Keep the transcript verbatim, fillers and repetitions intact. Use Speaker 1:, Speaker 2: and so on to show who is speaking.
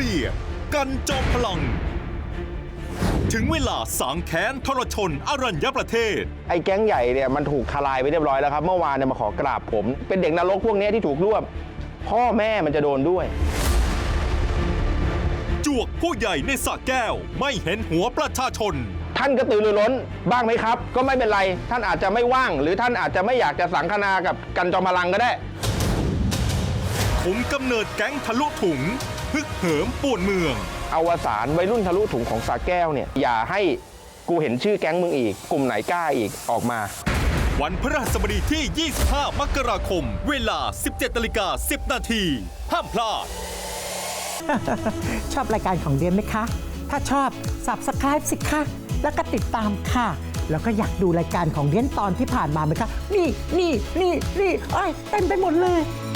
Speaker 1: ดียกันจอมพลังถึงเวลาสางแค้นทรชนอรัญญประเทศ
Speaker 2: ไอ้แก๊งใหญ่เนี่ยมันถูกทลายไปเรียบร้อยแล้วครับเมื่อวานเนี่ยมาขอกราบผมเป็นเด็กนรกพวกนี้ที่ถูกรวบพ่อแม่มันจะโดนด้วย
Speaker 1: จวกผู้ใหญ่ในสระแก้วไม่เห็นหัวประชาชน
Speaker 2: ท่านกระตือรือร้นบ้างไหมครับก็ไม่เป็นไรท่านอาจจะไม่ว่างหรือท่านอาจจะไม่อยากจะสังคนากับกันจอมพลังก็ได้
Speaker 1: ผมกำเนิดแก๊งทะลุถุงฮึกเหิมป่วนเมือง
Speaker 2: อวสานวัยรุ่นทะลุถุงของสระแก้วเนี่ยอย่าให้กูเห็นชื่อแก๊งมึงอีกกลุ่มไหนกล้าอีกออกมา
Speaker 1: วันพฤหัสบดีที่ ยี่สิบห้า มกราคมเวลา สิบเจ็ดนาฬิกาสิบ นาทีห้ามพลาด
Speaker 3: ชอบรายการของเดียนไหมคะ ถ้าชอบ ซับสไครบ์ สิคะแล้วก็ติดตามค่ะ แล้วก็อยากดูรายการของเดียนตอนที่ผ่านมาไหมคะ นี่นี่นี่นี่เอ้ยเต็มไปหมดเลย